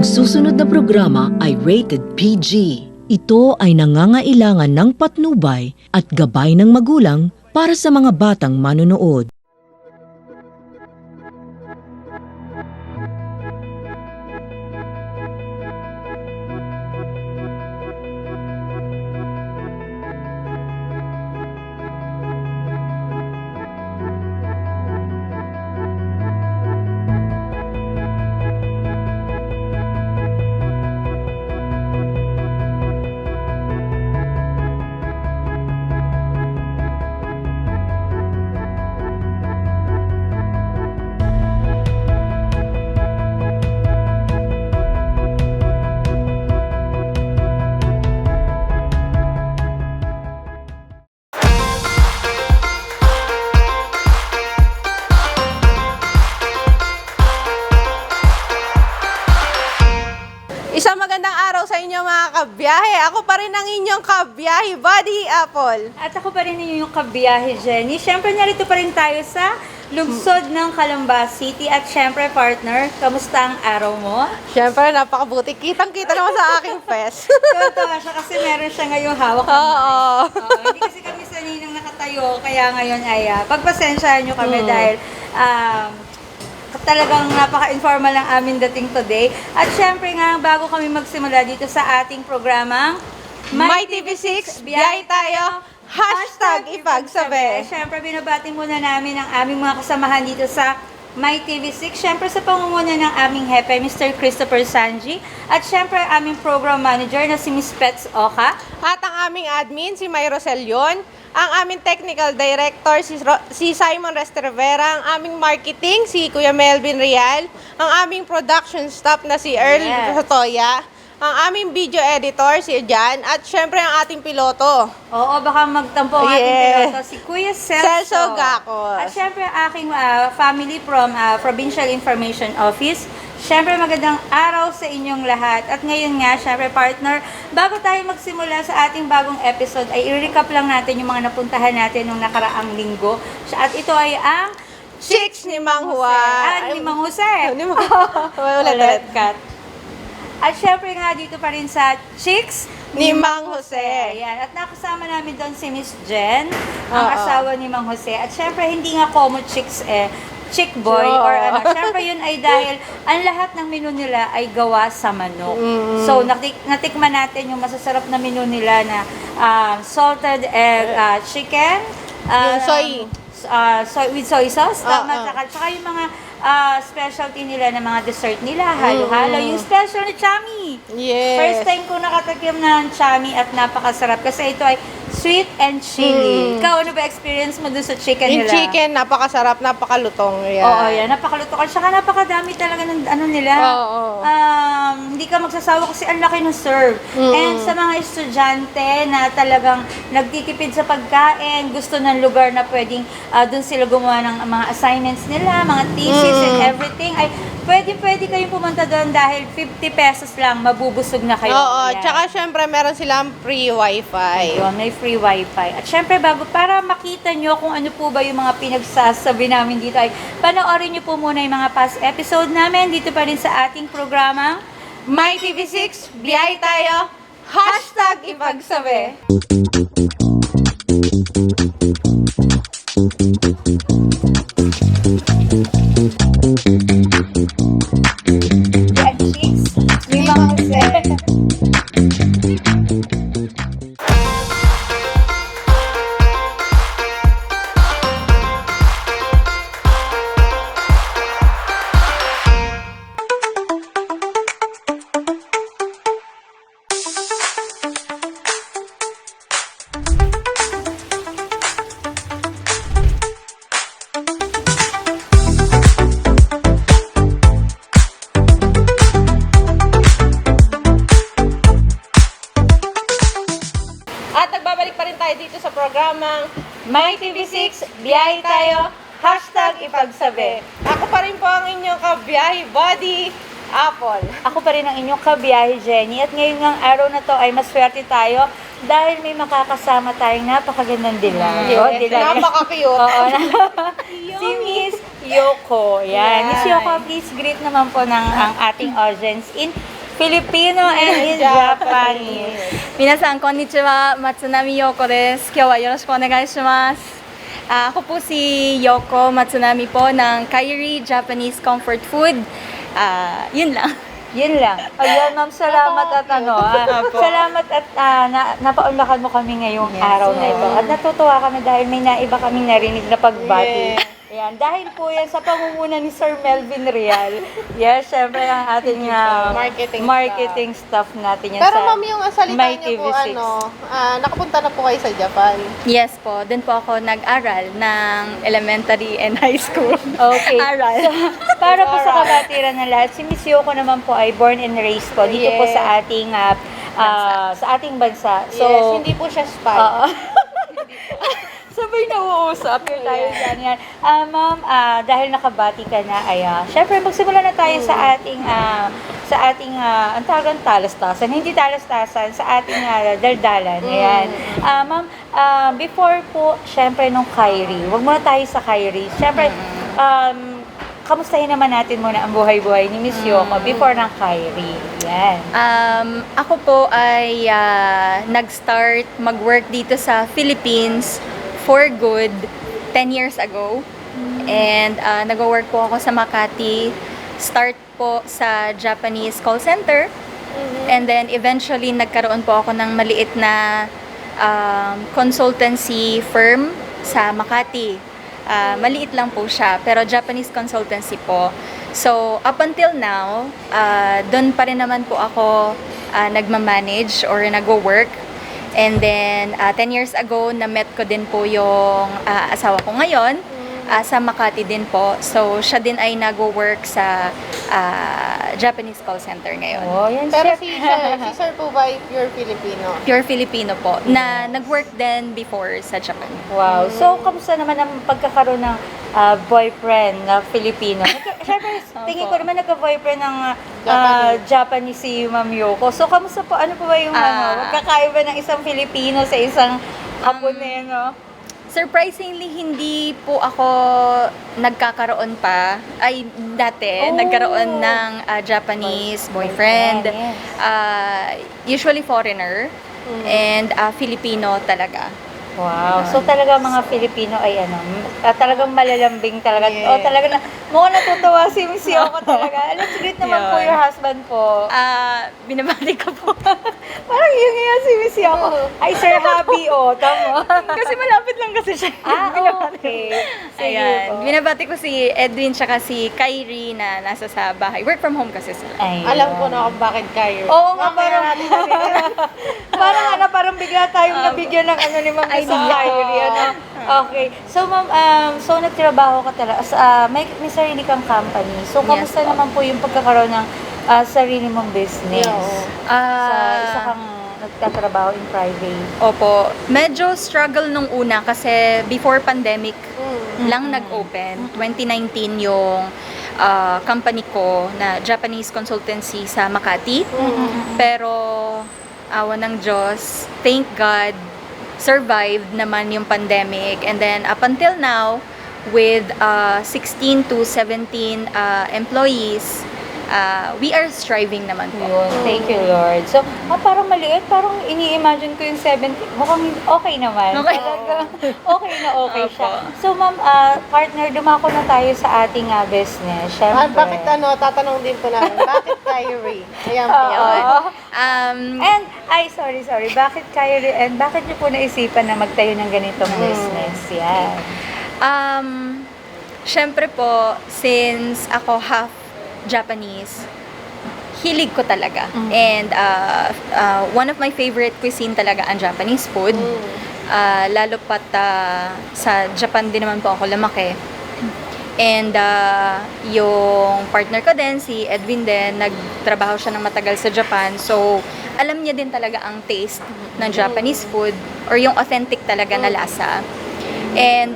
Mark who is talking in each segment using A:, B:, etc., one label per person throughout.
A: Ang susunod na programa ay rated PG. Ito ay nangangailangan ng patnubay at gabay ng magulang para sa mga batang manonood.
B: Isang magandang araw sa inyo mga kabiyahe. Ako pa rin ang inyong kabiyahe, Buddy Apple.
C: At ako pa rin yung kabiyahe, Jenny. Siyempre, narito pa rin tayo sa lungsod ng Calamba City. At siyempre, partner, kamusta ang araw mo?
B: Siyempre, napakabuti. Kitang-kita naman sa aking fest.
C: Tuwa siya kasi meron siya ngayong hawak.
B: Oo.
C: Hindi kasi kami saninang nakatayo, kaya ngayon ay pagpasensyahan nyo kami dahil talagang napaka-informal ang aming dating today. At syempre nga, bago kami magsimula dito sa ating programang
B: My TV6, biyahe tayo, #ipagsabi.
C: Syempre, binabati muna namin ang aming mga kasamahan dito sa My TV6. Syempre, sa pangunguna ng aming hepe, Mr. Christopher Sanji. At syempre, aming program manager na si Miss Pets Oka.
B: At ang aming admin, si May Roselion. Ang aming technical director, si Simon Restervera. Ang aming marketing, si Kuya Melvin Real. Ang aming production staff na si Earl Sotoya. Ang aming video editor, si Jan. At syempre, ang ating piloto.
C: Oo, baka magtampo ang ating piloto, si Kuya
B: Celso Gacos.
C: At syempre, aking family from Provincial Information Office. Syempre, magandang araw sa inyong lahat. At ngayon nga, syempre, partner, bago tayo magsimula sa ating bagong episode, ay i-recap lang natin yung mga napuntahan natin nung nakaraang linggo. At ito ay ang
B: Chicks ni Mang Juan.
C: Ni Mang Jose.
B: Ulit.
C: Cut. At syempre nga, dito pa rin sa Chicks
B: Ni Mang Jose.
C: Ayan. At nakasama namin doon si Miss Jen, ang asawa ni Mang Jose. At syempre, hindi nga common chicks chick boy or ano. Syempre yun ay dahil ang lahat ng menu nila ay gawa sa manok. So natikman natin yung masasarap na menu nila na salted egg chicken, soy with soy sauce, tama, tsaka yung mga specialty nila na mga dessert nila, halo-halo. Yung special na chami.
B: Yes.
C: First time ko nakatikim ng chami at napakasarap kasi ito ay sweet and chili. Ikaw, ano ba experience mo dun sa chicken
B: Yung
C: nila?
B: chicken, napakasarap, napakalutong. Yan.
C: Oo, yan. Napakaluto ka. Saka napakadami talaga ng ano nila.
B: Oo.
C: Hindi ka magsasawa kasi ang laki ng serve. And sa mga estudyante na talagang nagtitipid sa pagkain, gusto ng lugar na pwedeng dun sila gumawa ng mga assignments nila, mga thesis and everything, ay pwede kayong pumunta doon dahil 50 pesos lang, mabubusog na kayo.
B: Oo,
C: Yan.
B: tsaka syempre meron silang free wifi.
C: Ayun, may free wifi. At syempre, para makita nyo kung ano po ba yung mga pinagsasabi namin dito, ay panoorin nyo po muna yung mga past episode namin dito pa rin sa ating programa.
B: My TV6, biyahe tayo, #ipagsabi.
C: Yan, chicks. May mga
B: At nagbabalik pa rin tayo dito sa programang My TV6, biyahe tayo, #ipagsabi. Ako pa rin po ang inyong kabiyahe, Buddy Apple.
C: Ako pa rin ang inyong kabiyahe, Jenny. At ngayon ng araw na to ay maswerte tayo dahil may makakasama tayong napakagandang dilag.
B: Yes,
C: Oh, dilag.
B: napaka-cute.
C: Oo. Si Miss Yoko. Yan.
B: Yan.
C: Miss Yoko, please greet naman po ng ang ating audience in Filipino and in Japanese.
D: 皆さん、こんにちは。松波陽子です。今日はよろしくお願いします。Ako po si Yoko Matsunami po ng Kairi Japanese Comfort Food. Yun lang.
C: Yun lang. Ayan, ma'am, salamat at salamat at napaunlakan mo kami ngayong araw na ito. At natutuwa kami dahil may naiba kaming narinig na pagbati. Ayan, dahil po yan sa pangunguna ni Sir Melvin Real. Yes, syempre ang ating marketing staff natin yan
B: Pero
C: sa
B: ma'am, yung salita
C: My
B: niyo po,
C: TV6.
B: nakapunta na po kayo sa Japan.
D: Yes po, dun po ako nag-aral ng elementary and high school.
C: Okay.
D: Aral.
C: Para po sa kabatiran ng lahat, si Miss Yoko naman po ay born and raised po dito po sa ating bansa. So,
B: Yes, hindi po siya spy.
C: sabay nauusap yun tayo dyan yan. Ma'am, dahil nakabati ka na, ay, syempre magsimula na tayo sa ating ang tagang talastasan, hindi talastasan, sa ating daldalan. Ayan. Ma'am, before po, syempre nung Kairi, wag muna tayo sa Kairi. Syempre, kamustahin naman natin muna ang buhay-buhay ni Miss Yoko before ng Kairi. Yan.
D: Ako po ay nag-start mag-work dito sa Philippines for good 10 years ago. And nag-work po ako sa Makati. Start po sa Japanese call center. And then eventually nagkaroon po ako ng maliit na consultancy firm sa Makati. Maliit lang po siya, pero Japanese consultancy po. So, up until now, doon pa rin naman po ako nagmamanage or nag-work. And then, 10 years ago, na-met ko din po yung asawa ko ngayon sa Makati din po. So, siya din ay nag-work sa Japanese call center ngayon.
C: Oh, yan
B: Pero
C: siya.
B: si Sir po ba ay pure Filipino?
D: Pure Filipino po, na nag-work din before sa Japan.
C: Wow. So, kamusta naman ang pagkakaroon ng boyfriend na Filipino? Siyempre, tingin ko naman nagka-boyfriend ng Japanese si Ma'am Yoko. So, kamusta po? Ano po ba yung magkakaiba ng isang Filipino sa isang Haponeno?
D: Surprisingly, hindi po ako nagkakaroon pa. Ay, dati, nagkaroon ng Japanese boyfriend.
C: Yes.
D: Usually foreigner. And Filipino talaga.
C: Wow. So, talaga mga Filipino ay talagang malalambing talaga. O talaga mukhang natutuwa si Miss Yoko talaga. Let's greet naman po your husband po.
D: Binabati ko po.
C: Parang yun nga si Miss Yoko. Ay, Sir Happy, tama.
D: Kasi malapit lang kasi siya.
C: Okay. Sige
D: Ayan.
C: po.
D: Binabati ko si Edwin tsaka si Kyrie na nasa sa bahay. Work from home kasi sila.
C: Ayun.
B: Alam ko na kung bakit kayo.
C: Oo nga, parang bigla tayong nabigyan ng ni Ma'am Miss Kyrie. Okay. So, ma'am, nagtrabaho ka talaga. May sarili kang company. So, kamusta
D: Yes,
C: naman po yung pagkakaroon ng sarili mong business? Sa isa kang nagtatrabaho in private.
D: Opo. Medyo struggle nung una kasi before pandemic lang nag-open. 2019 yung company ko na Japanese consultancy sa Makati. Pero awa ng Diyos, thank God, survived naman yung pandemic. And then up until now, with 16 to 17 employees, we are striving naman po.
C: Yun. Thank you, Lord. So, parang maliit. Parang ini-imagine ko yung 70. Mukhang okay naman.
D: Okay.
C: Talaga, okay na okay siya.
D: Opo.
C: So, ma'am, partner, dumako na tayo sa ating business. Syempre.
B: Bakit tatanong din po namin, bakit Kyrie? Ayan po.
C: And, sorry. Bakit kayo and bakit niyo po naisipan na magtayo ng ganitong business? Yan.
D: Syempre po, since ako half Japanese, hilig ko talaga. And one of my favorite cuisine talaga ang Japanese food. Lalo pat sa Japan din naman po ako lumaki. And yung partner ko din, si Edwin din, nagtrabaho siya ng matagal sa Japan. So, alam niya din talaga ang taste ng Japanese food or yung authentic talaga na lasa. And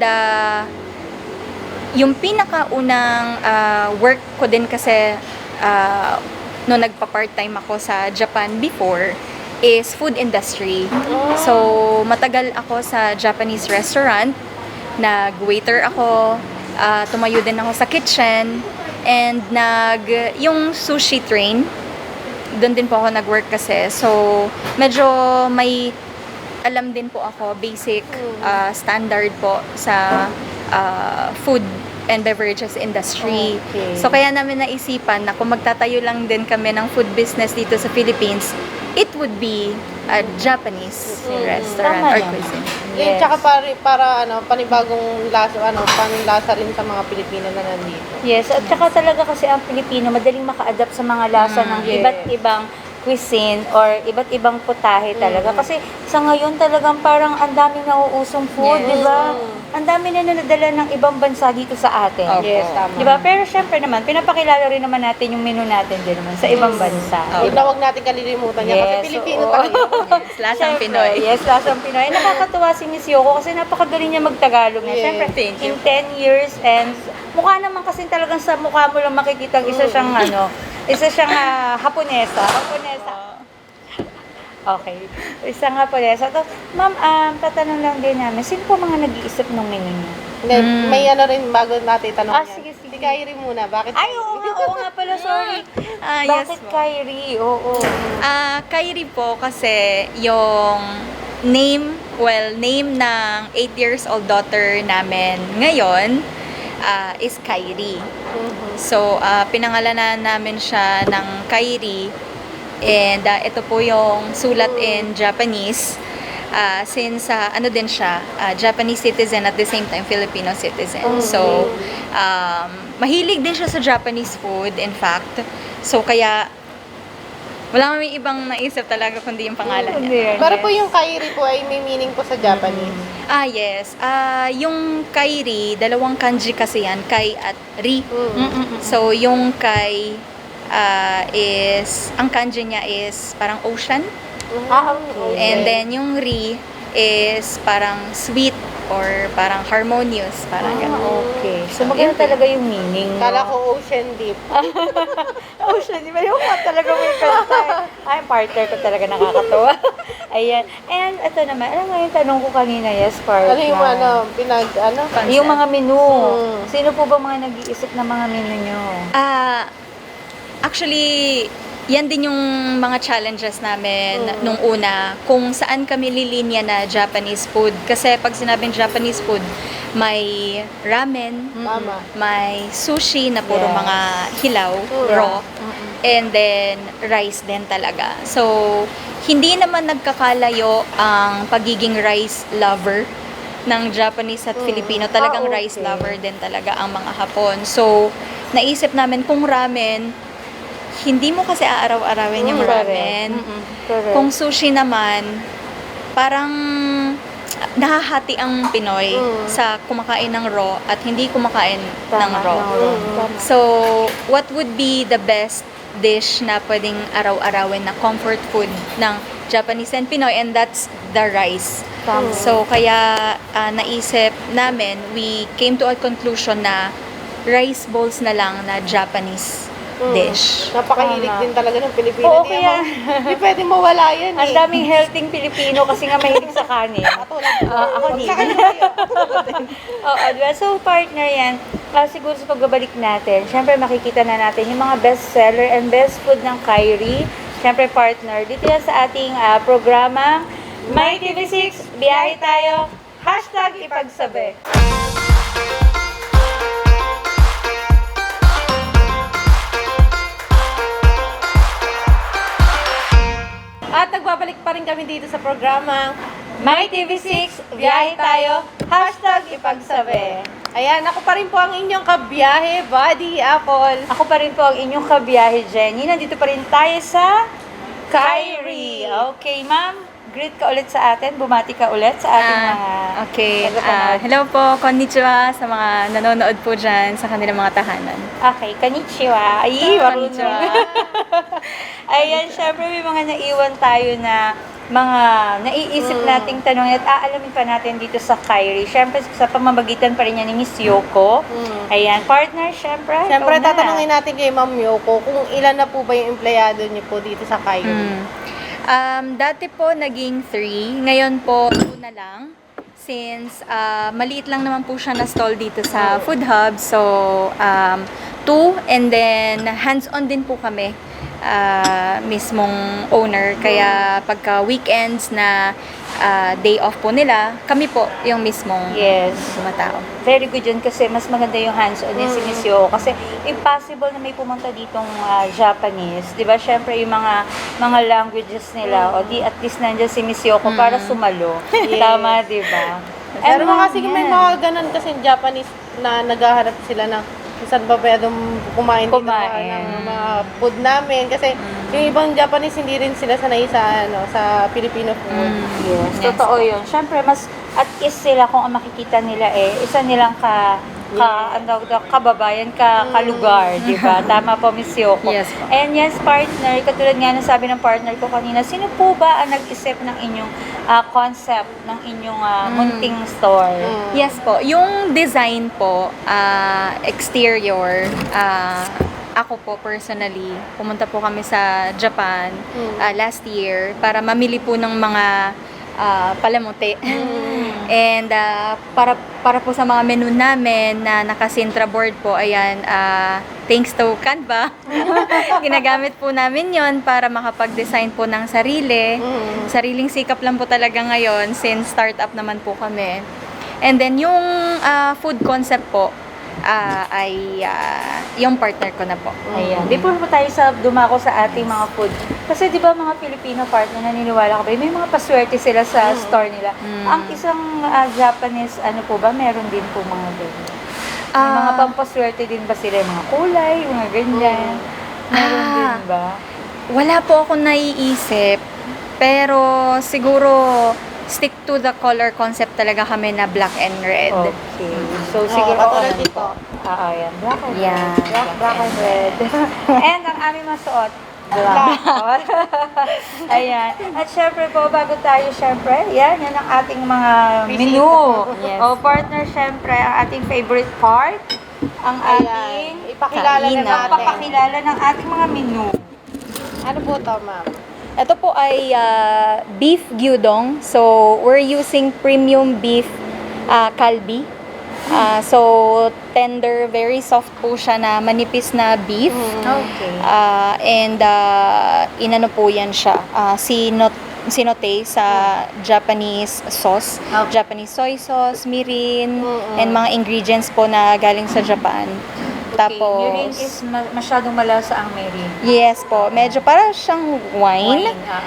D: yung pinakaunang work ko din kasi no nagpa-part-time ako sa Japan before is food industry. So, matagal ako sa Japanese restaurant. Nag-waiter ako, tumayo din ako sa kitchen, and yung sushi train, doon din po ako nag-work kasi. So, medyo may alam din po ako, basic standard po sa food and beverages industry.
C: Okay.
D: So, kaya namin naisipan na kung magtatayo lang din kami ng food business dito sa Philippines, it would be a Japanese restaurant
C: Tama
D: or
C: yan.
D: cuisine.
B: Yun, tsaka para panibagong lasa, panlasa rin sa mga Pilipino na nandito.
C: Yes, at saka talaga kasi ang Pilipino madaling maka-adapt sa mga lasa ng
B: yes.
C: iba't ibang cuisine or iba't ibang putahe talaga. Kasi sa ngayon talagang parang ang daming nauusong food,
D: Yes.
C: di ba? Ang dami na nadala ng ibang bansa dito sa atin.
D: Opo.
B: Yes, tama.
C: Di ba? Pero syempre naman, pinapakilala rin naman natin yung menu natin din naman sa ibang bansa.
B: Huwag na huwag natin kalilimutan niya kasi
C: Yes,
B: Pilipino
C: oo.
B: tayo.
D: Yes, lasang
C: Siyempre,
D: Pinoy.
C: Yes, lasang Pinoy. Nakakatuwa si Miss Yoko kasi napakagaling niya magtagalog na.
B: Yes,
C: Siyempre,
D: thank you.
C: in 10 years and mukha naman kasi talagang sa mukha mo lang makikita isa siyang Haponesa. Okay. Isang Haponesa. So, ma'am, tatanong lang din namin, sino po mga nag-iisip ng menu niyo?
B: Hindi, may rin bago natin tanong yan.
C: Sige, sige.
B: Si Kyrie muna, bakit?
C: Ay, oo nga pala, sorry.
D: Yes
C: Bakit
D: po.
C: Kyrie? Oo.
D: Kyrie po kasi yung name ng 8 years old daughter namin ngayon is Kyrie. So, pinangalanan namin siya ng Kyrie. And ito po yung sulat in Japanese. Since ano din siya, Japanese citizen at the same time Filipino citizen. So, mahilig din siya sa Japanese food, in fact. So, kaya wala kami ibang naisip talaga kundi yung pangalan niya.
B: Pero po yung Kyrie po ay may meaning po sa Japanese.
D: Yes. Yung Kairi, dalawang kanji kasi yan, Kai at Ri. So, yung Kai is, ang kanji niya is parang ocean.
C: Okay.
D: And then yung Ri is parang sweet or parang harmonious, parang gano'n.
C: Okay. So, maganda talaga yung meaning.
B: Kala ko ocean deep.
C: Ocean, di ba? Yung talaga may kanta. Ay, partner ko talaga nakakatawa. Ayan. And ito naman, alam mo yung tanong ko kanina, yes, partner.
B: Ano yung
C: Yung mga menu.
B: Mm.
C: Sino po ba mga nag-iisip ng mga menu nyo?
D: Actually, yan din yung mga challenges namin nung una, kung saan kami lilinya na Japanese food. Kasi pag sinabing Japanese food, may ramen,
B: Tama.
D: may sushi na puro
C: Yes.
D: mga hilaw, raw, and then rice din talaga. So, hindi naman nagkakalayo ang pagiging rice lover ng Japanese at Filipino. Talagang
C: okay.
D: rice lover din talaga ang mga Hapon. So, naisip namin kung ramen, hindi mo kasi aaraw-arawin yung ramen.
C: Correct.
D: Kung sushi naman, parang nahahati ang Pinoy sa kumakain ng raw at hindi kumakain ng raw. So, what would be the best dish na pwedeng araw-arawin na comfort food ng Japanese and Pinoy, and that's the rice.
C: Tama.
D: So, kaya naisip namin, we came to a conclusion na rice bowls na lang na Japanese dish.
B: Napakahilig
C: Tama.
B: din talaga ng Pilipino.
C: Oo,
B: Hindi
C: kaya-
B: Hindi pwede mawala yan
C: Ang daming healthy Pilipino kasi nga mahilig sa kanin.
B: Katulad ko.
C: Ako din.
B: Sa kanya kayo.
C: Oo, diba? So, partner yan, siguro sa pagbabalik natin, syempre makikita na natin yung mga best seller and best food ng Kyrie. Syempre, partner, dito yan sa ating programa, My TV6, biyahe tayo, #ipagsabi.
B: At nagbabalik pa rin kami dito sa programang
C: My TV6, biyahe tayo, #ipagsabi.
B: Ayan, ako pa rin po ang inyong kabiyahe, Buddy Apple.
C: Ako pa rin po ang inyong kabiyahe, Jenny. Nandito pa rin tayo sa Kyrie. Okay, ma'am. Greet ka ulit sa atin. Bumati ka ulit sa ating mga
D: Okay.
C: tagapanood.
D: Hello po, konnichiwa sa mga nanonood po dyan sa kanilang mga tahanan.
C: Okay, konnichiwa. Ay,
D: Konnichiwa.
C: Ayan, syempre may mga naiwan tayo na mga naiisip nating tanong at aalamin pa natin dito sa Kyrie. Syempre, sa pamamagitan pa rin niya ni Miss Yoko. Ayan, partner, syempre.
B: Siyempre,
C: ikaw na.
B: tatanungin natin kay Ma'am Yoko kung ilan na po ba yung empleyado niyo po dito sa Kyrie.
D: Dati po naging 3, ngayon po 2 na lang. Since maliit lang naman po siya na stall dito sa Food Hub. So, 2, and then hands-on din po kami mismong owner. Kaya pagka weekends na day off po nila, kami po yung mismong
C: Yes.
D: tumatao.
C: Very good yun kasi mas maganda yung hands-on yung si Miss Yoko. Kasi impossible na may pumunta ditong Japanese. Di ba? Syempre yung mga languages nila, o di at least nandiyan si Miss Yoko para sumalo. Tama, di ba?
B: Pero
C: And,
B: mga kasi may mga ganun kasi Japanese na naghahanap sila ng saan ba pwedeng kumain dito ng mga food namin. Kasi yung ibang Japanese hindi rin sila sanay sa Filipino food.
C: Yes, totoo yun. Syempre, mas at least sila kung ang makikita nila isa nilang kababayan, kalugar, di ba? Tama po, Miss Yoko.
D: Yes po.
C: And yes, partner, katulad nga ng sabi ng partner ko kanina, sino po ba ang nag-isip ng inyong concept, ng inyong munting store?
D: Yes po. Yung design po, exterior, ako po personally, pumunta po kami sa Japan last year para mamili po ng mga palamuti. And para po sa mga menu namin na naka-Sintra board po, ayan, thanks to Canva, ginagamit po namin yon para makapag-design po ng sarili. Sariling sikap lang po talaga ngayon since startup naman po kami. And then yung food concept po, ay yung partner ko na po.
C: Ayan. Before po tayo dumako sa ating mga food. Kasi di ba mga Filipino partner, naniniwala ka ba, may mga paswerte sila sa store nila. Ang isang Japanese, ano po ba, meron din po mga ganyan. May mga pampaswerte din ba sila, mga kulay, mga ganyan. Meron din ba?
D: Wala po ako naiisip, pero siguro stick to the color concept talaga kami na black and red.
C: Okay. So, siguro,
B: katulad dito.
C: yan. Black and
D: Yan.
C: red. Black and red. And ang aming masuot, black. Ayan. At syempre po, bago tayo syempre, yan ang ating mga menu.
D: Yes.
C: Partner, syempre, ang ating favorite part, ang ating
B: Ipakilala na
D: Kainan.
B: natin.
C: papakilala ng ating mga menu.
B: Ano po to, ma'am?
D: Ito po ay beef gyudong. So, we're using premium beef kalbi. So, tender, very soft po siya na manipis na beef.
C: Okay.
D: And inano po yan siya. Sinote sa Japanese sauce. Japanese soy sauce, mirin, and mga ingredients po na galing sa Japan. Tapos,
C: Mirin is masyadong malasa ang mirin.
D: yes po, medyo para siyang wine.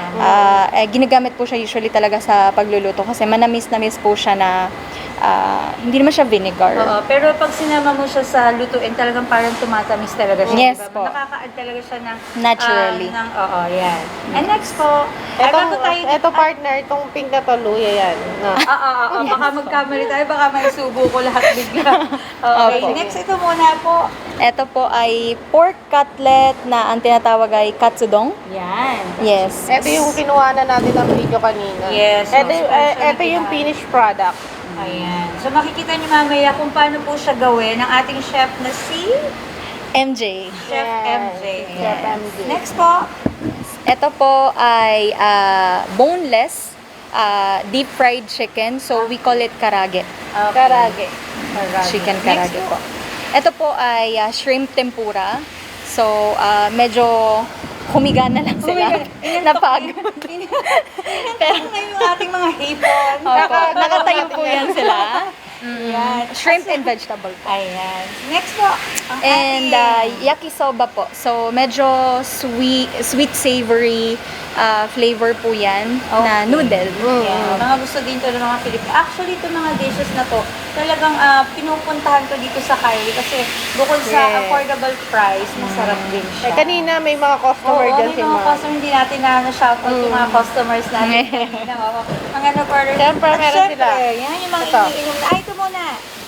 D: Ginagamit po siya usually talaga sa pagluluto kasi manamis-namis po siya na hindi naman siya vinegar.
C: Oo, pero pag sinama mo siya sa lutuin, talagang parang tumatamis talaga siya.
D: Yes
C: diba?
D: po.
C: Nakaka-add talaga siya ng...
D: Naturally.
C: Yan. And next po, ay bago tayo...
B: Ito partner, itong pink na to, luya yan. No.
C: Baka magkamali tayo, baka may subo ko lahat bigla. Okay,
D: Opo.
C: next ito muna po.
D: Ito po ay pork cutlet na ang tinatawag ay katsudong.
C: Yan.
D: Yes.
B: Ito yung kinuha na natin ng video kanina.
C: Yes,
B: Ito,
C: yung special
B: ito
C: na
B: yung
C: kinain.
B: finished product.
C: Ayan. So makikita niyo mamaya kung paano po siya gawin ng ating chef na si
D: MJ.
C: Chef
B: Yes.
C: MJ.
B: Chef MJ.
C: Next po.
D: Ito po ay boneless deep fried chicken. So we call it karage.
B: Karage.
D: Chicken
C: Next
D: karage po. Ito po ay shrimp tempura. So medyo humiga na lang sila. Napagod.
C: Pero ngayon yung ating mga hipon.
D: Nakatayo po yan sila.
C: Yan.
D: Shrimp and vegetable po.
C: Ayan. Next po. Ang
D: And
C: ating-
D: yakisoba po. So medyo sweet savory flavor po yan na noodle.
C: Yeah. Mga gusto din to ng mga Pilipino. Actually, ito mga dishes na to, talagang pinupuntahan ko dito sa Kylie kasi bukod sa
B: Yes.
C: affordable price, masarap din siya.
B: Kanina may mga customer
C: Oo,
B: dyan
C: may
B: si
C: mga
B: ma'am.
C: customer, hindi natin na-shoutout yung mga customers natin kanina. Ang ano pa rin.
B: Siyempre,
C: At
B: meron
C: syempre,
B: sila.
C: yan yung mga
B: Ito.
C: iniinom na. Ay, ito muna.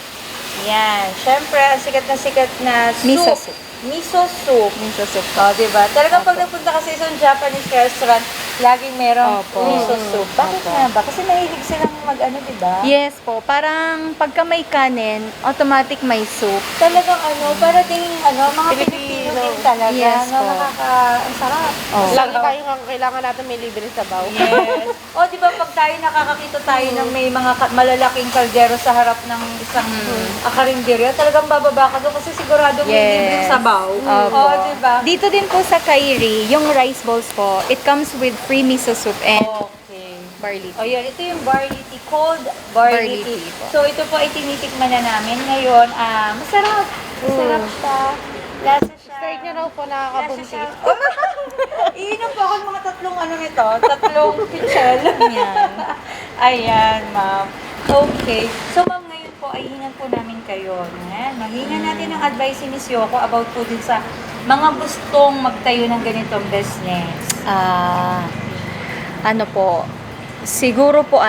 C: Yan. Syempre, ang sikat na soup.
D: Miso soup.
C: Miso soup.
D: Miso soup.
C: O, diba? Talagang pag nagpunta ka sa isang Japanese restaurant, laging merong
D: Opo.
C: miso soup. Bakit nga ba? Kasi mahilig silang mag-ano, di ba?
D: Yes po, parang pagka may kanin, automatic may soup.
C: Talagang para ding mga Pilipino
B: Filipino.
C: din talaga.
D: Yes po.
C: Ang sarap.
D: Oh.
B: Lagi tayo nga kailangan natin may libre sabaw.
C: Yes. O, di ba pag tayo nakakakita tayo ng may mga malalaking kaldero sa harap ng isang akarinderya, talagang bababa ka doon kasi sigurado may
D: Yes.
C: libreng sabaw.
D: Opo.
C: O, di ba?
D: Dito din po sa Kairi, yung rice bowls po, it comes with free miso soup and
C: Okay.
D: barley
C: O
D: tea.
C: yan, ito yung barley tea, cold barley
D: Barley
C: tea.
D: tea po.
C: So ito po ay tinitikman na namin ngayon. Masarap. Masarap siya. Lasa siya.
B: Straight nyo raw po
C: Lasa
B: nakakabuntis.
C: siya. Iinom po ako ng mga tatlong nito. Tatlong pichel.
D: Yan.
C: Ayan, ma'am. Okay. So, ma'am, ngayon po ay hingan po namin kayo. Ayan, mahingan natin ang advice ni Miss Yoko about po din sa mga gustong magtayo ng ganitong business.
D: Ano po, siguro po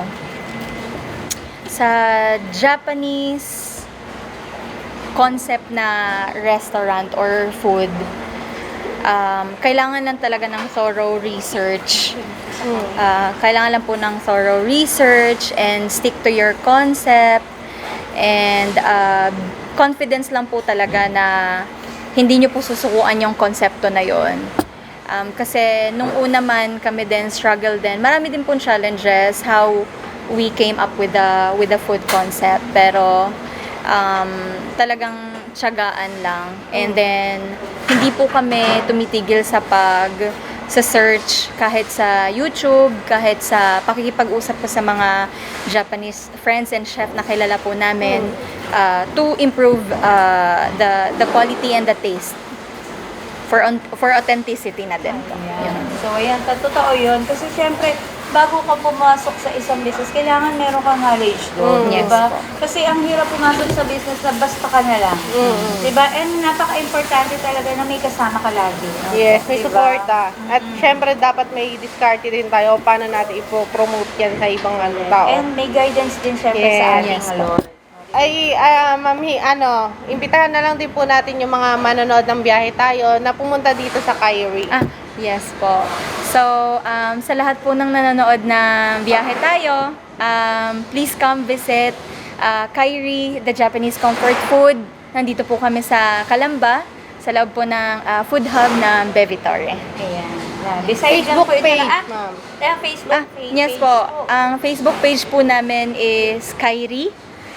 D: sa Japanese concept na restaurant or food, kailangan lang talaga ng thorough research. Kailangan lang po ng thorough research and stick to your concept and confidence lang po talaga na hindi nyo po susukuan yung konsepto na yon. Kasi nung una man kami din struggle din. Marami din pong challenges how we came up with the food concept. Pero talagang tiyagaan lang. And then hindi po kami tumitigil sa search kahit sa YouTube, kahit sa pakikipag-usap po sa mga Japanese friends and chef na kilala po namin to improve the quality and the taste for authenticity na din po.
C: Ayan. So, ayan, totoo yun. Kasi syempre, bago ka pumasok sa isang business, kailangan meron kang knowledge doon,
D: Yes
C: diba?
D: po.
C: Kasi ang hirap pumasok sa business na basta ka na lang. Diba? And napaka-importante talaga na may kasama ka lagi. No?
B: Yes, may
C: Diba?
B: suporta. At syempre dapat may diskarte din tayo paano natin ipo-promote yan sa ibang tao.
C: And may guidance din syempre sa ating
D: Yes po.
C: Lord.
B: Ay, ma'am, imbitahan na lang din po natin yung mga manonood ng biyahe tayo na pumunta dito sa Kairi.
D: Yes po. So, sa lahat po ng nanonood ng biyahe tayo, please come visit Kairi, the Japanese comfort food. Nandito po kami sa Calamba, sa loob po ng food hub ng Bevitore.
C: Ayan. Beside
B: Facebook
C: dyan po, ito
B: page,
C: na,
B: ma'am.
C: Facebook page.
D: Yes po. Ang Facebook page po namin is Kairi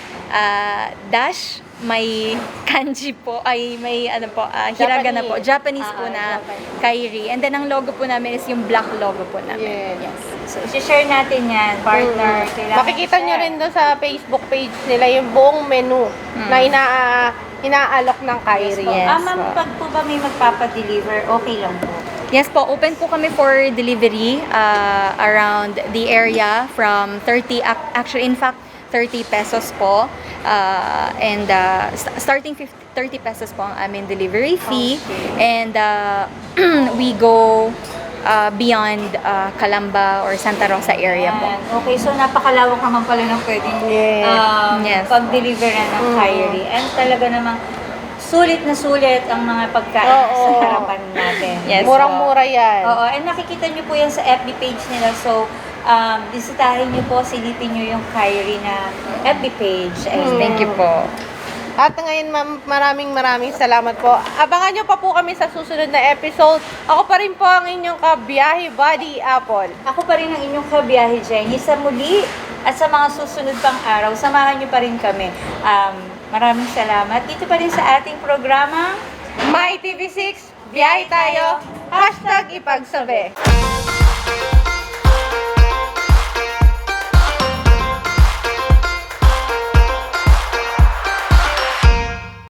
D: dash may kanji po ay may hiragana po, Japanese po na
C: Japanese.
D: Kairi. And then ang logo po namin is yung black logo po namin.
B: Yes.
C: So, i-share natin yan, partner. Kailangan
B: Makikita nyo
C: i-share.
B: rin doon sa Facebook page nila yung buong menu na inaalok ng Kairi.
D: Yes.
C: Ma'am,
D: po.
C: pag po ba may magpapadeliver, okay lang po.
D: Yes po, open po kami for delivery around the area from 30, actually in fact 30 pesos po. Starting 30 pesos po ang aming delivery fee. And we go beyond Calamba or Santa Rosa area po.
C: Ayan. Okay, so napakalawak naman pala ng pwedeng
D: Yes.
C: pag-deliver na ng Kairi. And talaga namang sulit na sulit ang mga pagkain sa harapan natin.
D: Yes.
B: Murang-mura yan.
C: Oo, and nakikita nyo po yan sa FB page nila. So, bisitahin nyo po, silipin nyo yung Kairi na FB page. And
D: Thank you po.
B: At ngayon, ma'am, maraming salamat po. Abangan nyo pa po kami sa susunod na episode. Ako pa rin po ang inyong kabiyahe buddy, Apple.
C: ako pa rin ang inyong kabiyahe, Jenny. Sa muli at sa mga susunod pang araw, samahan nyo pa rin kami. Maraming salamat. Dito pa rin sa ating programa.
B: My TV6, biyahe tayo. #ipagsabi.